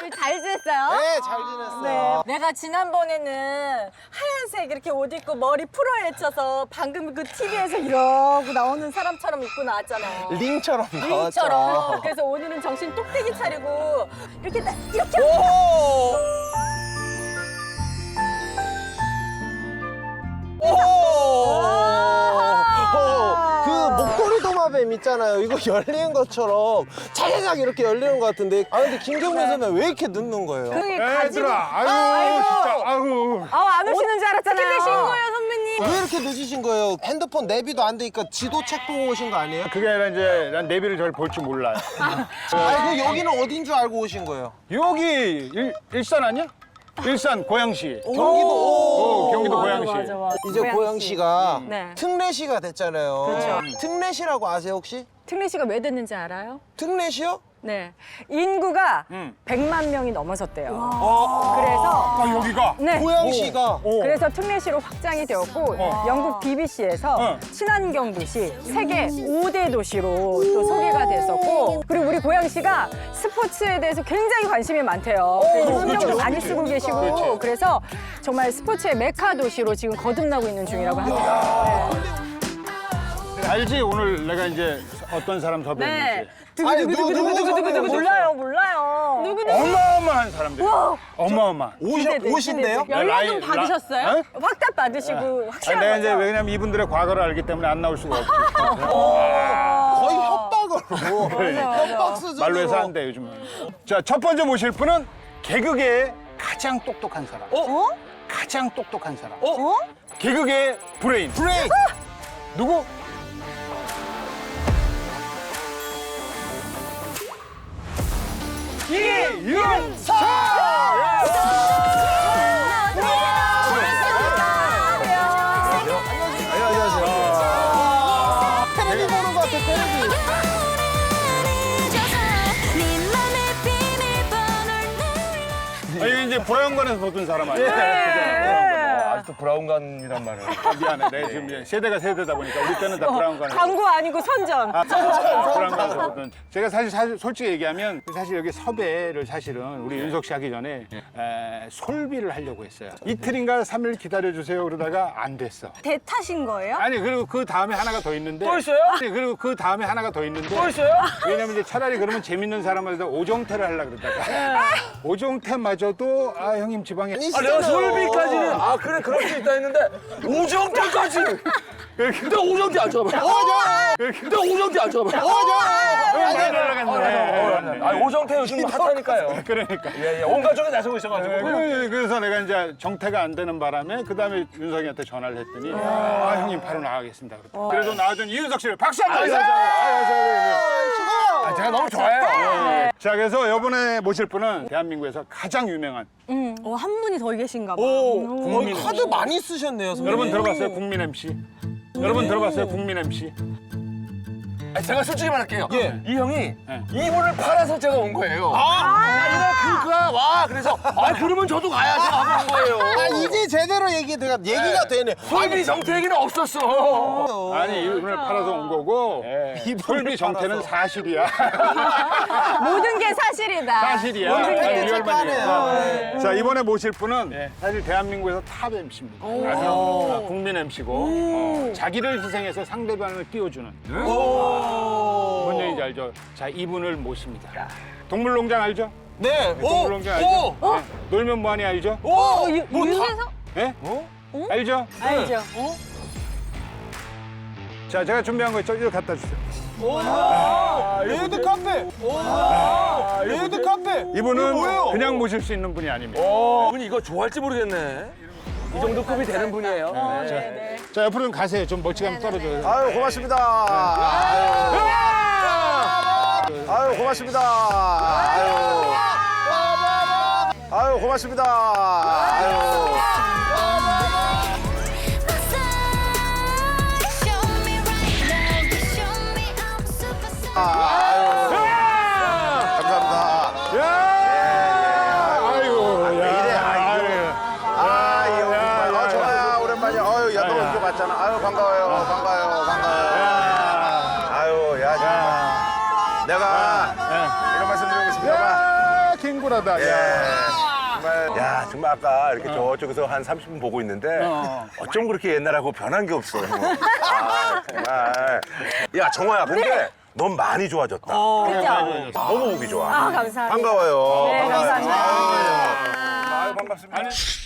잘 지냈어요? 네, 잘 지냈어요. 내가 지난번에는 하얀색 이렇게 옷 입고 머리 풀어헤쳐서 방금 그 TV에서 이러고 나오는 사람처럼 입고 나왔잖아요. 링처럼 나왔죠. 링처럼. 그래서 오늘은 정신 똑대기 차리고 이렇게 이렇게 오! 그 목도리 도마뱀 있잖아요. 이거 열리는 것처럼 차례작 이렇게 열리는 것 같은데. 아 근데 김경민 선배 왜 이렇게 늦는 거예요? 그게 가지고 애들아, 아유, 진짜, 아유. 안 오시는 줄 알았잖아요. 어떻게 되신 거예요, 선배님? 왜 이렇게 늦으신 거예요? 핸드폰 내비도 안 되니까 지도책 보고 오신 거 아니에요? 그게 아니라 이제 난 내비를 잘 볼 줄 몰라요. 아니 그 여기는 어딘 줄 알고 오신 거예요? 여기 일산 아니야? 일산 고양시. 경기도. 경기도 고양시. 맞아. 이제 고양시가 네. 특례시가 됐잖아요. 그렇죠. 특례시라고 아세요 혹시? 특례시가 왜 됐는지 알아요? 특례시요? 네. 인구가 100만 명이 넘어섰대요. 그래서 아, 여기가? 네. 고양시가 그래서 특례시로 확장이 되었고 영국 BBC에서 친환경 도시 세계 5대 도시로 또 소개가 됐었고 그리고 우리 고양시가 스포츠에 대해서 굉장히 관심이 많대요. 신경도 많이 쓰고 계시고 그래서 정말 스포츠의 메카 도시로 지금 거듭나고 있는 중이라고 합니다. 알지? 오늘 내가 이제 어떤 사람 섭외했는지. 아니 누구 몰라요. 어마어마한 사람들. 어마어마한. 오신대요? 연락 좀 받으셨어요? 어? 확답 받으시고 아니, 확실한 내가 거죠? 이제 왜냐면 이분들의 과거를 알기 때문에 안 나올 수가 없어. 거의 협박으로 협박 수준으로 말로 해서 안 돼, 요즘은. 자, 첫 번째 모실 분은 개그계의 가장 똑똑한 사람. 가장 똑똑한 사람. 개그계의 브레인. 브레이크! 누구? 이윤석! 테레비 보는 것 같아 테레비. 이게 이제 브라운관에서 보던 사람 아니야? 아직도 브라운관이란 말을. 미안해. 내가 지금 이제 세대가 세대다 보니까 우리 때는 다 브라운관에서. 광고 아니고 선전. 브라운관에서 보던. 제가 사실 솔직히 얘기하면 사실 여기 섭외를 사실은 우리 윤석 씨 하기 전에 솔비를 하려고 했어요. 이틀인가 3일 기다려주세요 그러다가 안 됐어. 대타신 거예요? 아니 그리고 그 다음에 하나가 더 있는데. 또 있어요? 아니 그리고 그 다음에 하나가 더 있는데. 또 있어요? 왜냐면 이제 차라리 그러면 재밌는 사람한테 오정태를 하려고 그러다가 오정태마저도 아 형님 지방에 아, 내가 솔비까지는 아 그래 그럴 수 있다 했는데 오정태까지. 근데 오정태 안 잡아요. 근데 오정태 안 잡아요. 아 오정태 요즘 핫하니까요. 그러니까. 예, 온 가족이 나서고 있어가지고. 그래서 내가 이제 정태가 안 되는 바람에 그 다음에 윤석이한테 전화를 했더니 아 형님 바로 나가겠습니다. 그래서 나와준 이윤석 씨를 박수 한번 주세요. 아, 제가 너무 좋아해요. 자 그래서 이번에 모실 분은 대한민국에서 가장 유명한 한 분이 더 계신가 봐. 거의 카드 많이 쓰셨네요 선배님. 여러분 들어봤어요 국민 MC? 여러분 들어봤어요 국민 MC? 아, 제가 솔직히 말할게요. 예. 이 형이 네. 이분을 팔아서 제가 온 거예요. 이날 그가 와 그래서 아 그러면 저도 가야지 하고 온 거예요. 아 이제 제대로 얘기가 되네. 솔비 정태 얘기는 없었어. 아니 이분을 팔아서 온 거고 솔비 정태는 사실이야. 모든 게 사실이다. 사실이야. 모든 게 아니, 리얼만이야. 네. 자 이번에 모실 분은 사실 대한민국에서 탑 MC입니다. 국민 MC고 자기를 희생해서 상대방을 띄워주는 뭔 얘기인지 알죠? 자 이분을 모십니다. 동물농장 알죠? 네. 동물농장 알죠? 네. 놀면 뭐하니 알죠? 윤세석? 네? 알죠? 알죠. 자 제가 준비한 거 있죠? 이거 갖다 주세요. 레드 카페. 레드 카페. 이분은 그냥 모실 수 있는 분이 아닙니다. 이분이 이거 좋아할지 모르겠네. 이 정도 급이 되는 분이에요. 자 옆으로 좀 가세요. 좀 멀찌감치 떨어져요. 아유 고맙습니다. 아유 고맙습니다. 아유 고맙습니다. 아유. 감사합니다. 아이고, 좋아요. 오랜만이야. 아유, 야, 너 이거 맞잖아. 아유, 반가워요. 반가워요. 아유, 야, 정말. 내가 이런 말씀 드리고 싶습니다. 캥거루다. 예. 야. 정말, 야, 정말 아까 이렇게 저쪽에서 한 30분 보고 있는데 어쩜 그렇게 옛날하고 변한 게 없어. 아, 정말. 야, 정화야, 근데 넌 많이 좋아졌다. 그죠? 너무 보기 좋아. 아, 감사합니다. 반가워요. 네, 감사합니다. 아유, 반갑습니다.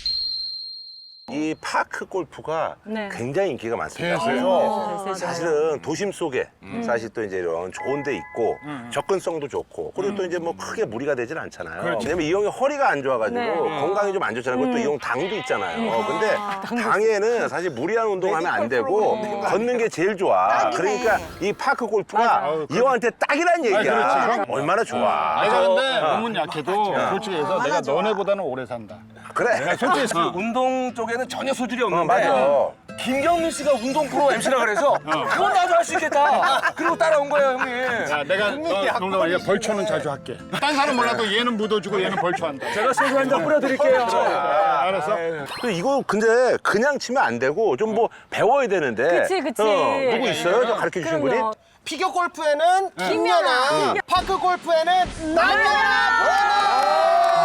이 파크 골프가 네. 굉장히 인기가 많습니다. 네, 그래서 네. 사실은 도심 속에 사실 또 이제 이런 좋은 데 있고 접근성도 좋고 그리고 또 이제 뭐 크게 무리가 되진 않잖아요. 그렇죠. 왜냐면 이 형이 허리가 안 좋아가지고 네. 건강이 좀 안 좋잖아요. 그리고 또 이 형 당도 있잖아요. 근데 당에는 사실 무리한 운동하면 안 되고 걷는 게 제일 좋아. 그러니까 이 파크 골프가 이 형한테 딱이란 얘기야. 그렇지. 얼마나 좋아. 내가 근데 몸은 약해도 솔직히 해서 내가 너네보다는 오래 산다. 그래. 솔직히 운동 쪽에는 전혀 소질이 없는데 맞아. 김경민 씨가 운동 프로 MC라 그래서 그건 나도 할 수 있겠다. 그리고 따라온 거예요, 형님. 야, 내가 농담 이제 벌초는 자주 할게. 딴 사람 몰라도 얘는 묻어주고 얘는 벌초한다. 제가 소주 한 잔 뿌려드릴게요. 알았어? 이거 근데 그냥 치면 안 되고 좀 뭐 배워야 되는데. 그치, 그치. 누구 있어요? 저 가르쳐 주신 분이? 그럼요. 피겨 골프에는 김연아, 파크 골프에는 남연아.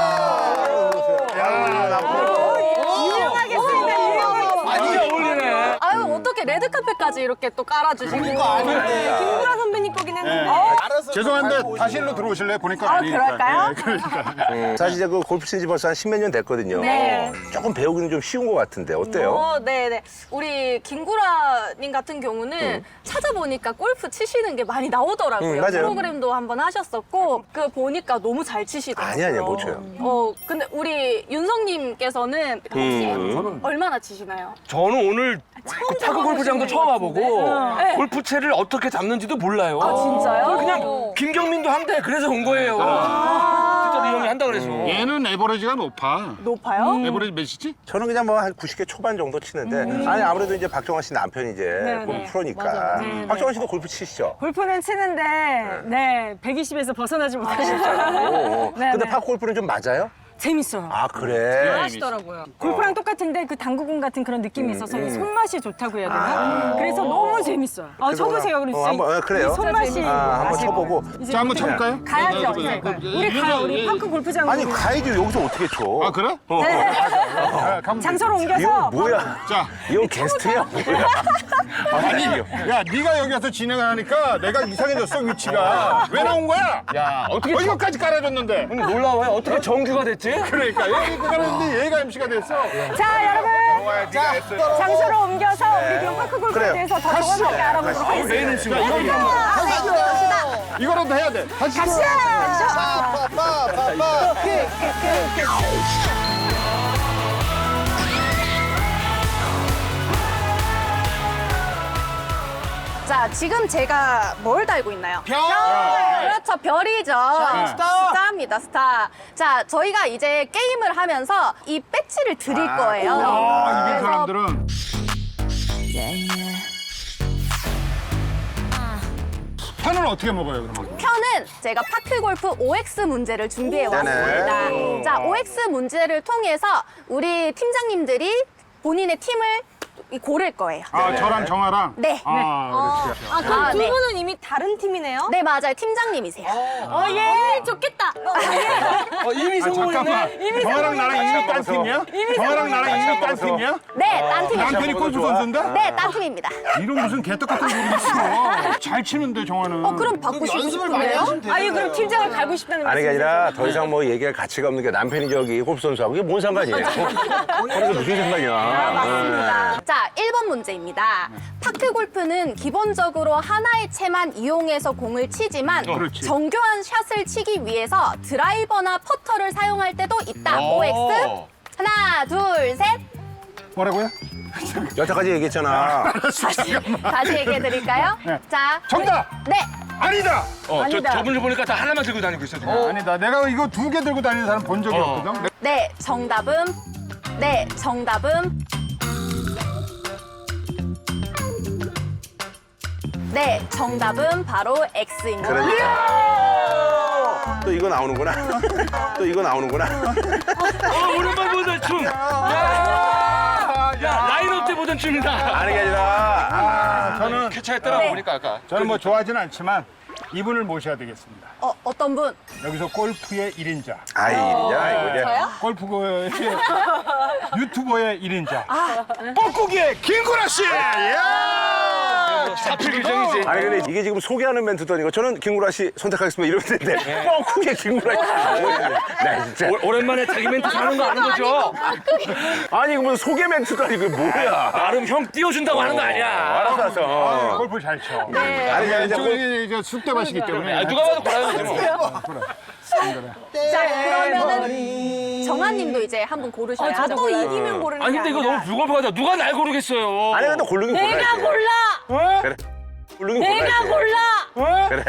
유명하겠습니다, 유명하겠습니다. 많이 어울리네. 아유 어떻게 레드카펫까지 이렇게 또 깔아주시고 아닌데. 김구라 선배님 거긴 했는데 알아서 죄송한데 좀 다시 일로 들어오실래요? 보니까 아, 아니니까. 그럴까요? 예, 그러니까. 사실 이제 그 골프 친지 벌써 한 10몇 년 됐거든요. 네. 조금 배우기는 좀 쉬운 것 같은데 어때요? 네네 우리 김구라님 같은 경우는 찾아보니까 골프 치시는 게 많이 나오더라고요. 맞아요. 프로그램도 한번 하셨었고 그 보니까 너무 잘 치시더라고요. 아니야, 못 쳐요. 근데 우리 윤성님께서는 혹시 얼마나 치시나요? 저는 오늘 그 파크 골프장도 처음 와보고 네. 골프채를 어떻게 잡는지도 몰라요. 아, 진짜요? 그냥 김경민도 한대. 그래서 온 거예요. 진짜 이 형이 한다 그래서. 얘는 에버리지가 높아. 높아요? 에버리지 몇이지? 저는 그냥 뭐 한 90개 초반 정도 치는데 아니 아무래도 이제 박정환 씨 남편이 이제 네, 골프 네. 프로니까 맞아요. 네, 박정환 씨도 골프 치시죠? 골프는 치는데, 네, 120에서 벗어나지 못하시더라고요. 오, 네, 근데 네. 파크 골프는 좀 맞아요? 재밌어요. 아 그래? 하시더라고요. 골프랑 똑같은데 그 당구공 같은 그런 느낌이 있어서 손맛이 좋다고 해야 되나? 그래서 너무 재밌어요. 쳐보세요, 그럼 한번 그래요? 손맛이 한번 나시고. 쳐보고. 이제 자, 한번 쳐볼까요? 가야죠. 네, 네, 네. 우리 파크 골프장 아니 가야지 여기서 어떻게 쳐? 아, 그래? 네. 가면 장소를 이거 옮겨서 뭐야? 자, 이건 게스트야 뭐야? 아니 야, 네가 여기 와서 진행을 하니까 내가 이상해졌어, 위치가. 왜 나온 거야? 야, 어떻게 이거까지 깔아줬는데. 근데 놀라워요. 어떻게 정규가 됐지? 그러니까 여기 깔았는데 얘가 MC가 됐어. 자, 여러분 좋아요, 네가 했어. 장소를 옮겨서 우리 그럼 파크 골프에 그래요. 대해서 더 정확하게 알아보도록 하겠습니다. 메인 MC가 이거라도 해야 돼. 다시. 빠빠빠빠. 자, 지금 제가 뭘 달고 있나요? 별. 그렇죠, 별이죠. 스타. 스타입니다, 스타. 자, 저희가 이제 게임을 하면서 이 배지를 드릴 거예요. 아, 이게 그래서 사람들은. 편은 어떻게 먹어요, 그러면? 편은 제가 파크골프 OX 문제를 준비해 왔습니다. 네네. 자, OX 문제를 통해서 우리 팀장님들이 본인의 팀을 고를 거예요. 아, 저랑 정아랑? 네. 아, 그렇지. 아, 그럼 두 분은 이미 다른 팀이네요? 네, 맞아요. 팀장님이세요. 예. 좋겠다. 이미 아, 잠깐만. 정아랑 나랑 이미 딴 팀이야? 정아랑 나랑 이미 딴 팀이야? 네, 딴 팀이죠. 남편이 골프 선수인데? 네, 딴 팀입니다. 이런 무슨 개떡 같은 소리 있어. 잘 치는데, 정아는. 그럼 바꾸시고 연습을 많이 싶은데요? 하시면 되잖아요. 아니 그럼 팀장을 갈고 싶다는 아니 게 말씀이세요? 아니라 더 이상 뭐 얘기할 가치가 없는 게 남편이 저기 골프 선수하고 이게 뭔 상관이에요? 그래서 무슨 상관이야? 맞습니다. 자, 1번 문제입니다. 파크 골프는 기본적으로 하나의 채만 이용해서 공을 치지만 그렇지. 정교한 샷을 치기 위해서 드라이버나 퍼터를 사용할 때도 있다. OX. 하나, 둘, 셋. 뭐라고요? 여태까지 얘기했잖아. 다시 얘기해 드릴까요? 네. 자, 정답! 네. 아니다! 저분을 보니까 다 하나만 들고 다니고 있어 지금. 아니다. 내가 이거 2개 들고 다니는 사람 본 적이 없거든. 네, 정답은 네, 정답은 바로 X입니다. 그러니까. 또 이거 나오는구나. 또 이거 나오는구나. 오랜만에 보던 춤. 야, 라인업 때 보던 춤이다. 아니 게 아니라 저는, 쾌차했더라 보니까 아까. 저는 뭐 좋아하진 않지만 이분을 모셔야 되겠습니다. 어떤 분? 여기서 골프의 1인자, 아이, 야, 이거 저요? 골프의 유튜버의 1인자, 뻐꾸기의 김구라 씨! 사필 규정이지. 아니 근데 이게 지금 소개하는 멘트도 아니고 저는 김구라 씨 선택하겠습니다 이러는데 뻥크게 김구라 씨. 나 진짜. 오랜만에 자기 멘트 하는 거 아는 거죠? 아니 이거 무슨 소개 멘트도 아니고 뭐야. 나름 형 띄워준다고 하는 거 아니야. 알았어. 골프 잘 쳐. 네. 아니 아니 이제 숙대밭이기 때문에. 누가 봐도 고라야지 뭐. 자, 그러면은 정한님도 이제 한 분 고르셔야죠. 저도 또 이기면 고르는 아니 근데 이거 너무 불공평하다. 누가 날 고르겠어요? 아니 근데 고르긴 골라야지. 내가 골라! 그래. 고르긴 내가 골라야지. 골라! 그래.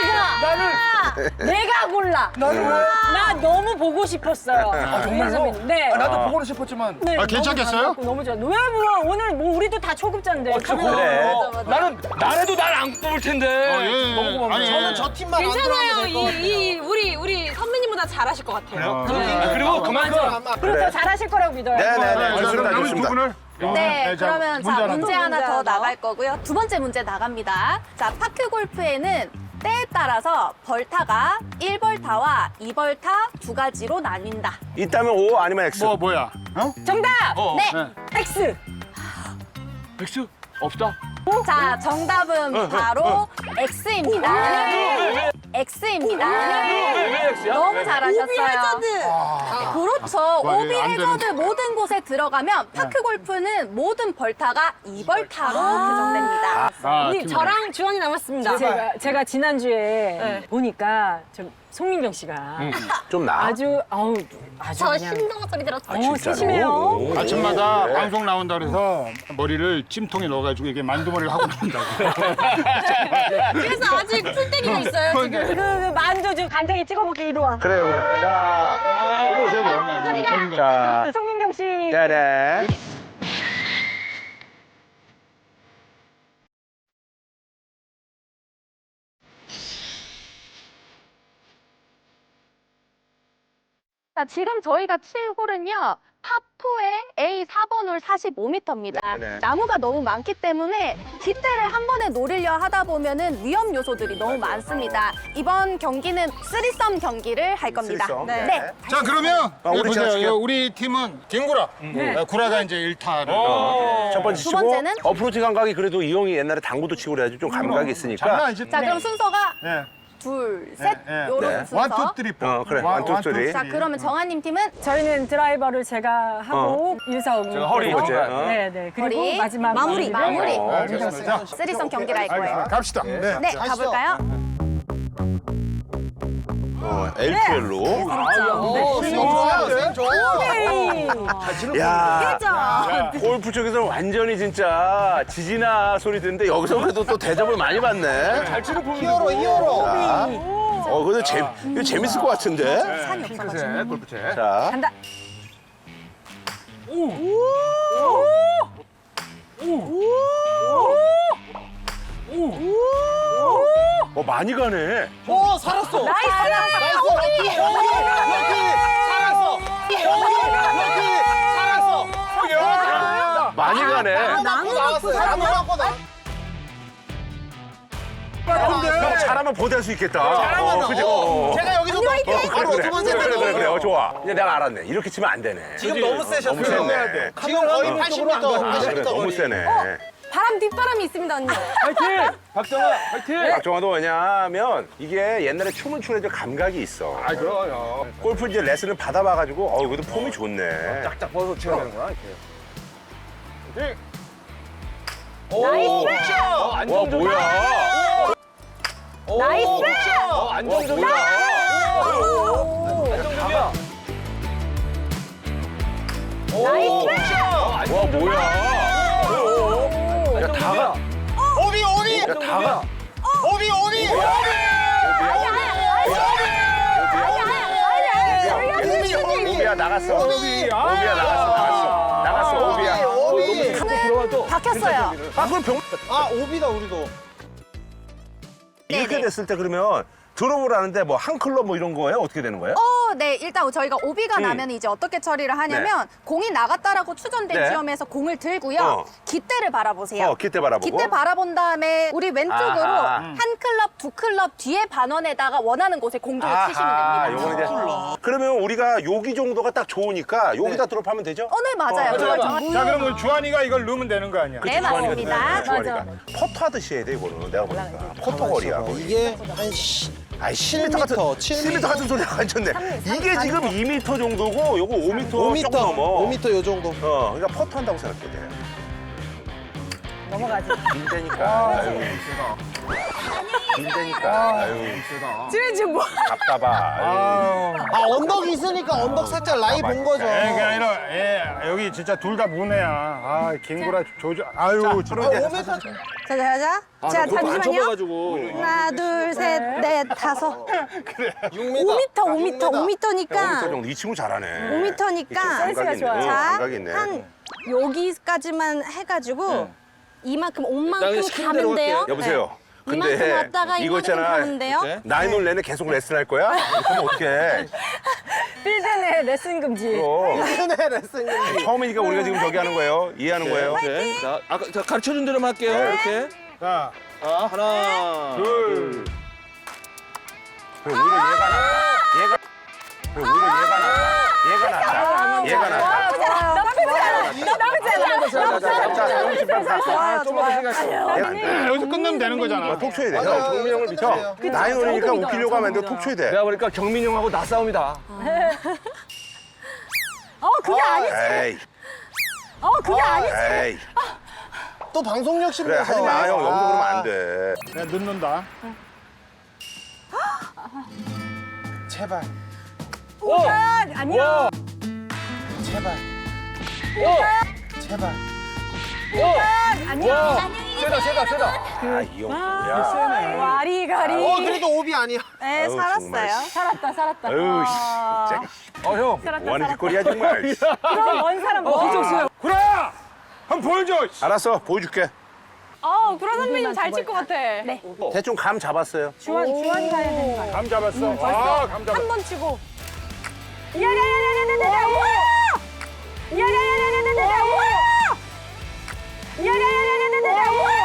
내가 골라! 나 너무 보고 싶었어요. 정말로? 네. 나도 보고는 싶었지만. 네, 아, 괜찮겠어요? 너무 좋아. 왜 뭐, 오늘 뭐 우리도 다 초급자인데. 그래. 나는 나래도 날 안 뽑을 텐데. 너무 고맙네. 저는 저 팀만 안 괜찮아요. 들어가면 될것 같아요. 우리 선배님보다 잘하실 것 같아요. 그리고 그만큼 그리고 더 잘하실 거라고 믿어요. 네네네. 자, 좋습니다. 그럼 남은 두 좋습니다. 분을. 네, 자, 그러면 자, 문제 하나 더 문제 하나. 나갈 거고요. 두 번째 문제 나갑니다. 자, 파크 골프에는 때에 따라서 벌타가 1벌타와 2벌타 두 가지로 나뉜다. 있다면 O 아니면 X. 뭐야? 어? 정답! 네. X! 백수 없다. 자, 정답은 바로 X입니다. X입니다. 왜 X야? 너무 잘하셨어요. 그렇죠. 와, 오비 안 해저드 모든 곳에 들어가면 파크 골프는 모든 벌타가 2벌타로 규정됩니다. 우리 저랑 주원이 남았습니다. 제가 지난주에 보니까 송민경 씨가 좀 나. 아주 저 그냥 신동아 소리 들었어요. 진짜로? 세심해요. 아침마다 방송 나온다 그래서 머리를 찜통에 넣어가지고 이게 만두머리를 하고 나온다고. 그래서 아직 풀떼기가 있어요, 지금. 그 만두 좀 간장에 찍어 먹게 이리 와. 그래요. 자, 송민경 씨. 짜란. 자, 지금 저희가 칠 홀은요. 파4의 A 4번 홀 45m입니다. 네. 나무가 너무 많기 때문에 뒷대를 한 번에 노리려 하다 보면은 위험 요소들이 너무 많습니다. 이번 경기는 3썸 경기를 할 겁니다. 쓰리썸? 네. 네. 자, 그러면 우리 우리 제가 보세요. 칠게요. 우리 팀은 김구라. 구라가 이제 1타를. 첫 번째 두 치고 번째는? 어프로치 감각이 그래도 이 형이 옛날에 당구도 치고 그래야지 좀 감각이 있으니까. 장난 아니지? 자, 그럼 순서가 네. 둘, 셋 네. 요런 네. 순서. 원, 투, 쓰리, 포. 그래. 원, 투, 쓰리. 자, 그러면 정한님 팀은 저희는 드라이버를 제가 하고 윤사옥 제가 허리 께서. 번째. 네, 네. 그리고 허리. 마지막 마무리. 알겠습니다. 자, 3썸 경기를 할 거예요. 알겠습니다. 갑시다. 네. 네, 가볼까요? LPL로. 스윙 좋아요. 야, 골프 쪽에서 완전히 진짜 지지나 소리 듣는데 여기서 그래도 또 대접을 많이 받네. 잘 치는 분이 히어로. 근데 이거 재밌을 것 같은데. 산이 없어가지고. 골프채. 자, 간다. 많이 가네. 오, 살았어. 나이스. 럭키. 살았어. 살았어. 많이 가네. 나무 나왔어요. 나무 갖고 나. 형 잘하면 보대할 수 있겠다. 그죠? 제가 여기서 바로 그래, 두 번째 그래. 좋아. 이제 내가 알았네. 이렇게 치면 안 되네. 지금 너무 세셨어요. 너무 세네. 지금 거의 80m, 그래, 80m 너무 거리. 세네. 바람 뒷바람이 있습니다, 언니. 파이팅! 박정아, 파이팅! 박정화도 왜냐하면 이게 옛날에 춤을 추는 감각이 있어. 아, 그럼. 골프 이제 레슨을 받아봐가지고 그래도 폼이 좋네. 짝짝 벗어 쳐야 되는구나, 이렇게. 나이스! 와 뭐야? 나이스! 안정적이야. 안정적이야. 나이스! 와 뭐야? 야 다가. 오비. 야 다가. 오비. 오비야 나갔어. 오비야 나갔어. 오비야. 박혔어요. 그럼 병. 오비다 우리도. 이렇게 네네. 됐을 때 그러면 드롭을 하는데 뭐 한 클럽 뭐 이런 거예요? 어떻게 되는 거예요? 네, 일단 저희가 오비가 나면 이제 어떻게 처리를 하냐면 공이 나갔다라고 추정된 네. 지점에서 공을 들고요. 어. 깃대를 바라보세요. 깃대 바라보고. 깃대 바라본 다음에 우리 왼쪽으로 아하. 한 클럽, 두 클럽 뒤에 반원에다가 원하는 곳에 공중을 치시면 됩니다. 요거는 이제. 그러면 우리가 여기 정도가 딱 좋으니까 여기다 드롭하면 되죠? 네, 맞아요. 그걸 정확히. 자, 그러면 주한이가 이걸 넣으면 되는 거 아니야? 네, 맞습니다. 좋아하니까. 퍼터 하듯이 해야 돼, 이거는. 내가 보니까. 퍼터 거리야. 거의. 이게 한 아이, 10m 같은, 7m 같은 소리가 완전네. 이게 지금 2m 정도고, 요거 5m 조금 5m, 넘어. 5m 요 정도. 그러니까 퍼터 한다고 생각해 돼. 넘어가지. 빈대니까. 아유. 빈대니까. 아유. 지금 뭐. 답답하. 아유. 언덕이 있으니까 언덕 살짝 라이 본 거죠. 그게 아니라 여기 진짜 둘 다 무네야. 아, 김구라 조조. 아유, 저런 5m. 자, 자. 자, 잠시만요. 쳐봐가지고. 하나, 둘, 셋, 넷, 다섯. 6m. 5m니까. 정도. 이 친구 잘하네. 5m니까. 센스가 좋아요. 자, 감각이 있네. 한 여기까지만 해가지고 이만큼 온 나 그냥 만큼 시키는 대로 가면 돼요. 할게. 여보세요. 네. 이만큼 왔다가 이거 이만큼 있잖아. 가면 돼요. 나이놀 내내 계속 레슨 할 거야? 그럼 어떡해. 필드 내 레슨 금지. 네, 레슨님. 처음이니까 우리가 지금 저기 하는 거예요. 이해하는 거예요. 네. 자, 아까 자, 가르쳐준 대로만 할게요. 이렇게. 자, 하나, 둘. 그럼 오히려 얘가 낫다. 그럼 오히려 얘가 낫다. 얘가 낫다. 좀만 더 생각해. 여기서 끝내면 되는 거잖아. 톡 쳐야 돼. 맞아요. 경민 형을 믿어. 나이놀이니까 웃기려고 하면 안 돼. 톡 쳐야 돼. 내가 보니까 경민 형하고 나 싸움이다. 그게 아니지. 에이. 그게 아니지. 에이. 또 방송력 그래, 심리에서. 하지 마. 형, 여기서 그러면 안 돼. 내가 넣는다. 제발. 아니야. 제발. 제발. 아니야. 세다. 아, 이 형, 뭐야. 와리가리. 그래도 오비 아니야. 네, 아유, 정말. 살았어요. 살았다. 아유, 진짜. 형. 뭐 하는 짓거리야, 정말. 그럼 먼 사람 뭐. 구라! 한번 보여줘! 알았어, 보여줄게. 구라 선배님 잘 칠 것 같아. 네. 대충 감 잡았어요. 주환이 가야 되는 거야. 감 잡았어. 아, 감 잡았어. 한 번 치고. 야야야야야야야. 야야야야야야야. 야야야야야야야.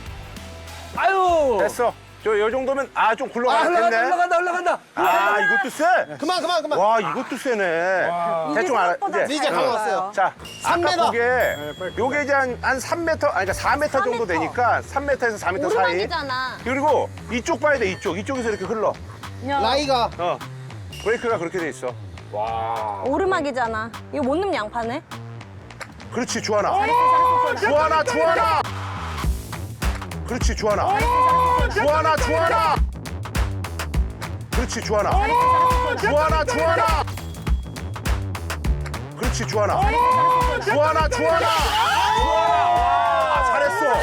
아유. 됐어. 요 정도면, 좀 굴러가겠네. 흘러간다. 이것도 세. 그만. 와, 이것도 세네. 대충 알아. 이제 감 왔어요. 자, 3m. 아까 그게, 요게 이제 한 3m, 그러니까 4m 정도 되니까 3m에서 4m 사이. 오르막이잖아. 그리고 이쪽 봐야 돼, 이쪽에서 이렇게 흘러. 라이가. 브레이크가 그렇게 돼 있어. 오르막이잖아. 이거 못 넣으면 양파네. 그렇지, 주하나. 주하나. 그렇지, 주하나. 주하나. 그렇지, 주하나. 주하나. 그렇지, 주하나. 주하나. 잘했어.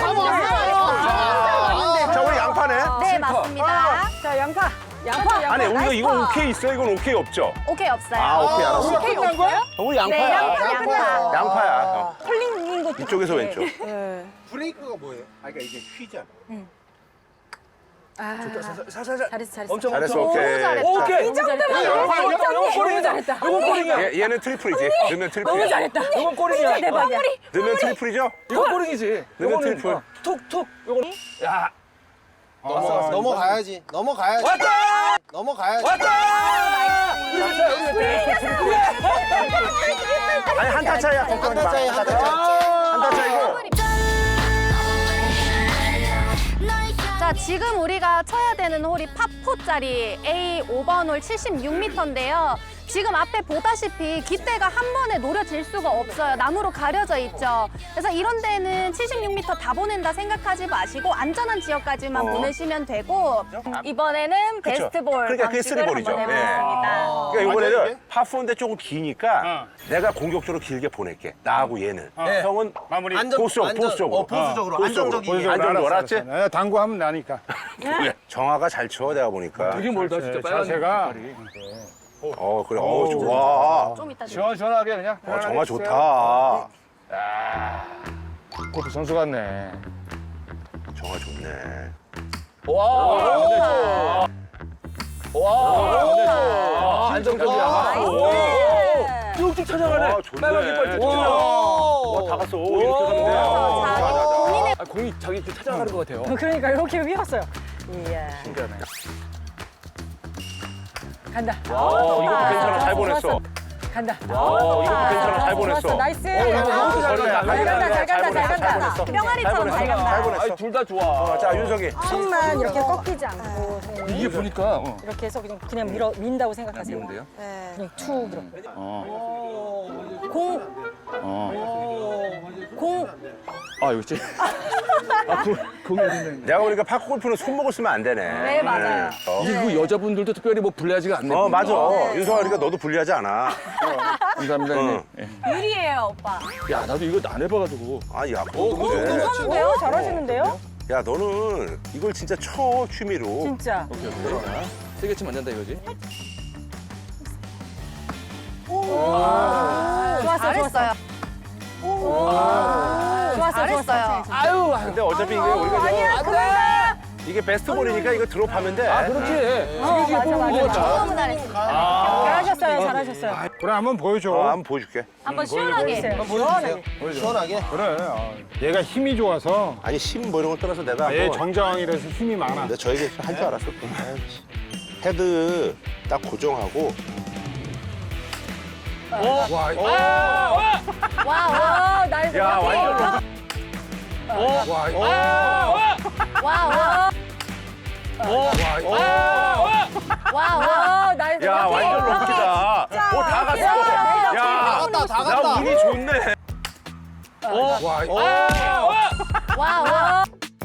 자, 우리 양파네. 네, 맞습니다. 자, 양파. 아니, 우리가 나이스 이건 파. 오케이 있어? 이건 오케이 없죠? 오케이, 없어요. 오케이, 알았어. 오케이 온 거야? 우리 네, 양파야. 양파. 양파야. 털린 것도. 이쪽에서 왼쪽. 브레이크가 뭐예요? 그러니까 이게 휘잖아. 잘했어. 엄청 잘했어, 너무 오케이. 잘했다. 오케이. 이 정도면 이거 골이야. 잘했다. 이건 골이야. 얘는 트리플이지. 넣으면 트리플이야. 너무 잘했다. 이건 골이야. 대박이야. 넣으면 트리플이죠? 이건 골이지. 넣으면 이거는 트리플. 툭툭. 이건 야. 넘어가야지. 왔다! 넘어가야지. 아니, 한타 차이야. 걱정하지 마. 차이, 한타 차이. 한타 차이고. 자, 지금 우리가 쳐야 되는 홀이 파4짜리 A 5번 홀 76m인데요. 지금 앞에 보다시피 깃대가 한 번에 노려질 수가 없어요. 나무로 가려져 있죠. 그래서 이런 데는 76m 다 보낸다 생각하지 마시고 안전한 지역까지만 보내시면 되고 이번에는 그쵸. 베스트볼 그러니까 그게 방식을 쓰리볼이죠. 한번 예. 해보겠습니다. 그러니까 이번에는 완전히? 파4인데 조금 기니까 내가 공격적으로 길게 보낼게. 나하고 얘는. 형은 마무리. 보수적으로. 보수적으로. 안정적이게. 보여줘. 안정적으로, 알았지? 네, 당구하면 나니까. 그래. 정화가 잘 쳐, 내가 보니까. 되게 멀다 진짜. 빨간 자세가 그래. 좋아. 좀 이따 좀. 시원시원하게 그냥. 정화 좋다. 골프 선수 같네. 정화 좋네. 와. 와. 안정적이야. 쭉쭉 찾아가네. 좋네. 빨간 깃발 쭉쭉 찾아가. 다 갔어. 이렇게 가면 돼. 아, 공이 자기 이렇게 찾아가는 것 같아요. 그러니까 이렇게 휘었어요. 이야. 신기하네. 간다. 이것도 괜찮아. 잘 보냈어. 좋았어. 간다. 이것도 괜찮아. 잘 보냈어. 좋았어. 나이스. 잘 간다. 잘 간다. 뿅아리처럼 잘 간다. 아니, 둘 다 좋아. 자, 윤석이. 손만 이렇게 꺾이지 않고 이게 보니까 이렇게 해서 그냥 민다고 생각하세요. 미운데요? 그냥 툭 이렇게. 아, 여기 있지. 공이 어딨네. 내가 보니까 파크 골프는 손목을 쓰면 안 되네. 네, 맞아요. 이게 그 여자분들도 특별히 뭐 불리하지가 않네. 맞아. 윤석아, 그러니까 너도 불리하지 않아. 감사합니다. 응. 형님. 유리예요, 오빠. 야, 나도 이거 안 해봐가지고. 아, 야, 그래. 괜찮은데요? 잘하시는데요? 야, 너는 이걸 진짜 쳐, 취미로. 진짜. 오케이. 자, 세게 치면 안 된다 이거지? 좋았어. 잘했어요. 좋았어. 잘했어요. 아유, 근데 어차피 이게 우리가 이게 베스트볼이니까 이거 드롭하면 돼. 아, 그렇지. 세게 치고 맞아, 뽑는 맞아. 거 같아. 너무 잘했어요. 잘하셨어요. 그래 한번 보여줘. 한번 보여줄게. 한번 시원하게. 시원하게. 그래. 얘가 힘이 좋아서 아니, 힘 뭐 이런 걸 떠나서 내가 얘 뭐 정자왕이라서 힘이 많아. 내가 저 얘기 할 줄 알았어. 헤드 딱 고정하고. 와, 나이스. 야, 완전 와. 나이스. 야, 완전 럭키다. 다 갔어. 야, 다 나 갔다. 운이 좋네. 와.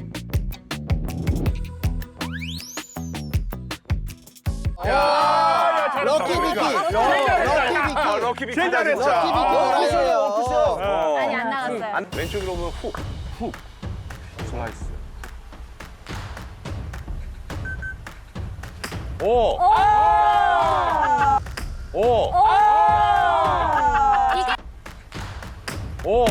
럭키 비키. 럭키 비키 진짜 잘했어. 잘했어. 럭키 아니, 안 나갔어요. 왼쪽으로 오면 훅. 슬라이스. 오. 이게 오.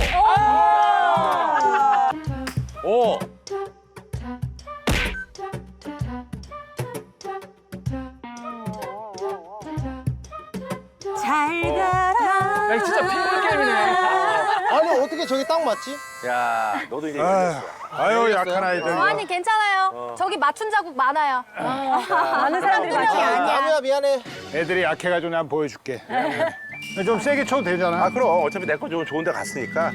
야, 이거 진짜 핑볼 게임이네. 아니 어떻게 저게 딱 맞지? 야, 너도 이제 이겼어. 아유 약한 아이들. 아니, 괜찮아요. 저기 맞춘 자국 많아요. 많은 사람들이 한두 명이 아니야. 아니야 미안해. 애들이 약해가지고 내가 보여줄게. 좀 세게 쳐도 되잖아. 아, 그럼 어차피 내 거 좋은 데 갔으니까.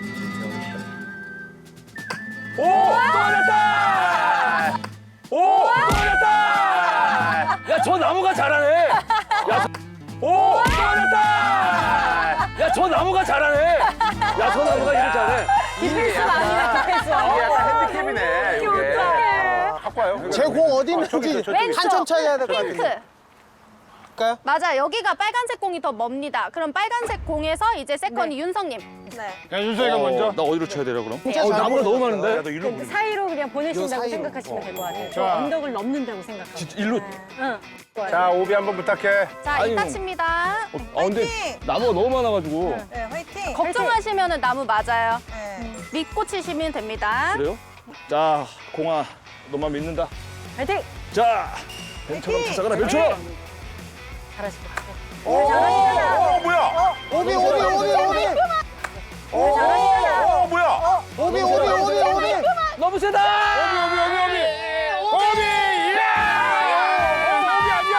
오! 떨어졌다! 오! 떨어졌다! 야, 저 나무가 잘하네. 오! 떨어졌다! 야, 저 나무가 잘하네. 야, 저 나무가 이렇게 잘해. 디펜스 아니다, 디펜스. 이게 약간 핸디캡이네, 이게. 갖고 와요. 제 공 어디 있는지 왼쪽. 한참 차이 해야 될 것 핑크. 같은데. 갈까요? 맞아, 여기가 빨간색 공이 더 멉니다. 그럼 빨간색 공에서 이제 세컨이 윤성님. 야 윤석이가 먼저. 나 어디로 쳐야 되려 그럼? 진짜 잘 나무가 너무 보였어. 많은데? 야, 너 일로 그 사이로 그냥 보내신다고 사이로. 생각하시면 될 것 같아요. 저 자. 언덕을 넘는다고 생각하고. 진짜 일로. 응. 자 오비 한번 부탁해. 자, 아니, 이따 칩니다. 아, 근데 나무가 너무 많아가지고. 걱정하시면 나무 맞아요. 믿고 치시면 됩니다. 그래요? 자, 공아, 너만 믿는다. 파이팅! 자, 뱀처럼 찾아가라, 뱀처럼. 잘하실 것 같아요. 뭐야? 오비. 뭐야? 오비. 너무 세다! 오비 예! 오비 아니야?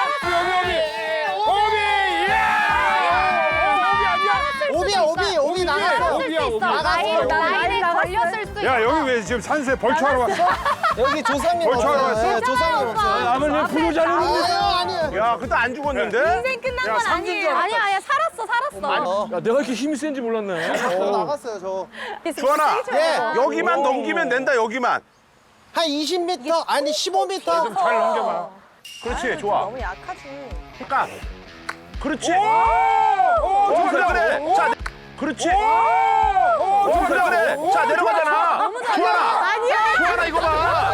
오비 나갔어. 쓸수 있어. 나갔어. 라인에 걸렸을 수 있어. 야 여기 왜 지금 산세 벌초하러 왔어? 여기 조상님 벌초하러 없어요. 왔어? 네, 조상님 없어요. 아버님 부르자는 아니에요. 야, 그때 안 죽었는데? 인생 끝난 건 아니에요. 아니야, 살았어. 야, 내가 이렇게 힘이 센지 몰랐네. 저 나갔어요 저. 주환아, 예. 여기만 넘기면 된다, 여기만. 한 20m 아니 15m. 잘 넘겨봐. 그렇지, 좋아. 너무 약하지. 그러니까. 그렇지. 그래. 자, 그렇지. 그래. 자, 내려가잖아. 주환아. 아니야. 주환아, 이거 봐.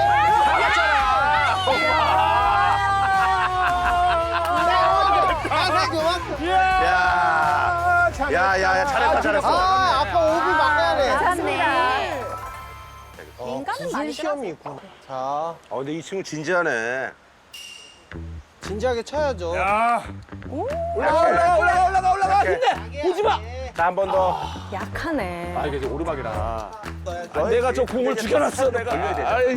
야, 잘했어. 아 아까 오비 막아야 돼. 잘했네. 인간은 무슨 많이 시험이 있구나. 자 근데 이 친구 진지하네. 진지하게 쳐야죠. 야. 올라가. 힘내. 오지 마. 자, 한 번 더. 약하네. 아, 이게 이제 오르막이라. 내가 저 공을 죽여놨어, 내가. 아이.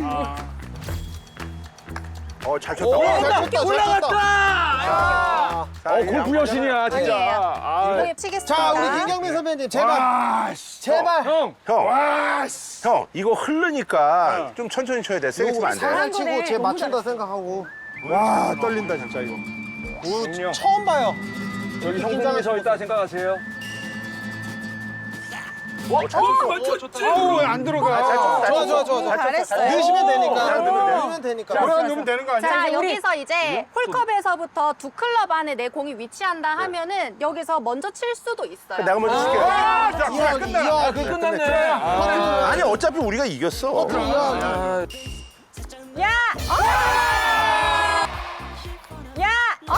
잘 쳤다. 잘 쳤다. 올라갔다. 골프 여신이야, 진짜. 아, 공에 치겠습니다. 자, 우리 김경민 선배님 제발. 제발. 형. 형, 와, 씨. 형, 이거 흐르니까 좀 천천히 쳐야 돼. 세게 치면 안 돼. 살살 치고 거네. 제 너무 맞춘다 생각하고. 와, 떨린다 진짜 이거. 오, 처음 봐요. 여기 형님이 서 있다 생각하세요. 좋다. 어우, 안 들어가. 좋아. 잘했어요. 넣으시면 되니까. 넣으면 되니까. 그래 넣으면 되는 거 아니야? 자, 우리- 여기서 이제 홀컵에서부터 두 클럽 안에 내 공이 위치한다 하면은 여기서 먼저 칠 수도 있어요. 내가 먼저 칠게. 아, 자, 이야, 끝나. 이야, 끝났네. 아니, 어차피 우리가 이겼어. 야! 야!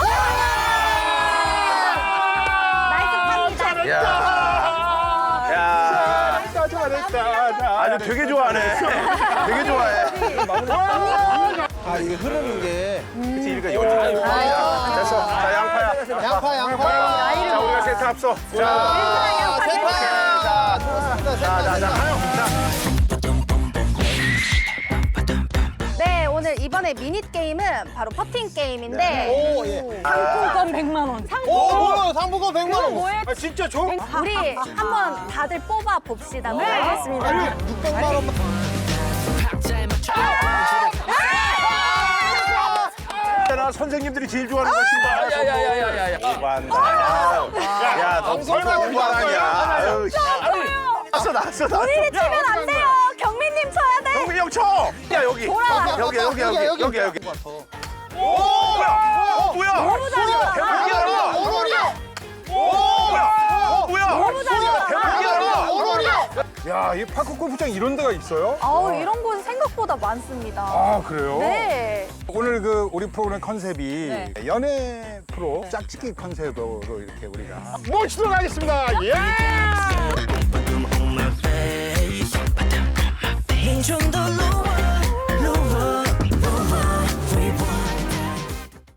나이스 팝니다. 야, 잘했다. 아주 되게 좋아하네. 되게 좋아해. 아, 이게 흐르는 게. 그치, 이러니까 여기. 됐어. 자, 양파야. 양파. 자, 우리가 세트 앞서. 자, 세파. 들어왔습니다. 하영. 네, 오늘 이번에 미니 게임은 바로 퍼팅 게임인데 오, 예. 상품권 100만 원. 오, 뭐야, 상품권 100만 원. 뭐에 아, 진짜 줘? 우리 한번 다들 뽑아 봅시다. 네, 알겠습니다. 600만 원만. 나 선생님들이 제일 좋아하는 거 신발. 야야야야야. 오반다. 야, 너 설마 오반 아니야? 아유, 씨. 나왔어. 우리를 치면 안 돼요. 경민님 쳐야 돼. 경민이 형 쳐. 야, 여기. 돌아. 여기. 여기. 뭐야? 너무 잘한다. 대박이야. 오롤이야. 뭐야? 너무 잘한다. 대박이야. 오롤이야. 야, 이 파크 골프장 이런 데가 있어요? 아우, 이런 곳 생각보다 많습니다. 아, 그래요? 네. 오늘 그 우리 프로그램 컨셉이 연애 프로 짝짓기 컨셉으로 이렇게 우리가 모시도록 하겠습니다. 예! 좀 더